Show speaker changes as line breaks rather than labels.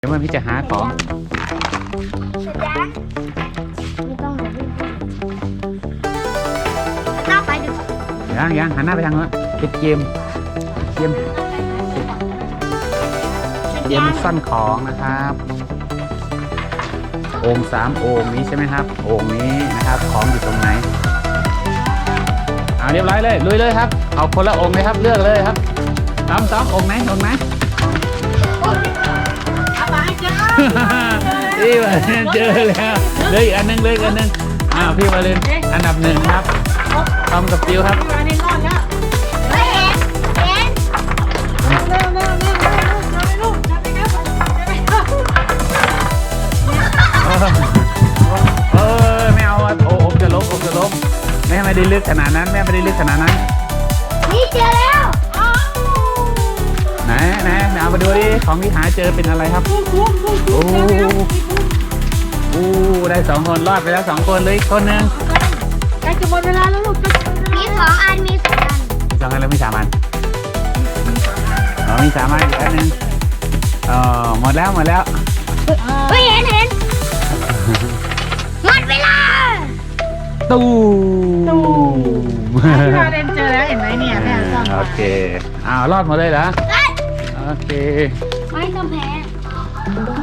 เดี๋ยวพี่จะหาของ
ไม่ต้องหรอกพี่หน้าไปดีกว่า
ยังหันหน้าไปทางโน้นเป็นเกมซ่อนของนะครับโอ่ง3โอ่งนี้ใช่ไหมครับโอ่งนี้นะครับของอยู่ตรงไหนเรียบร้อยเลยลุยเลยครับเอาคนละโอ่งเลยครับเลือกเลยครับซ้อมโอ่งไหน
เอามาให้เจอ
พี่มาเล่นเจอแล้วเลยอีกอันนึงพี่มาเล่นอันดับ1ครับทอมกับจิวครับ
มาในรอดแล้วเฮ้ยเห็นเร็วลูกจับไปครับ
ไม่เอาโอ้จะล้มแม่ไม่ได้ลึกขนาดนั้น
นี่เจอแล้ว
ไหนเอามาดูดิของที่หาเจอเป็นอะไรครับโอ้ได้2คนรอดไปแล้ว2คนเลยคนนึง
ใกล้จะหมดเวลาแล้วลูกมี2 อันมี2 อัน
2 อันแล้วมี3 อันมี3 อันอีกอันนึงหมดแล้ว
เฮ้ยเห็นหมดเวลา
ตู้
ที่เราเรียนเจอแล้วเห็นไหมเนี่ยแม่ซ่อน
โอเครอดหมดเลยเหรอโอเค
ไม่ต้องแพ้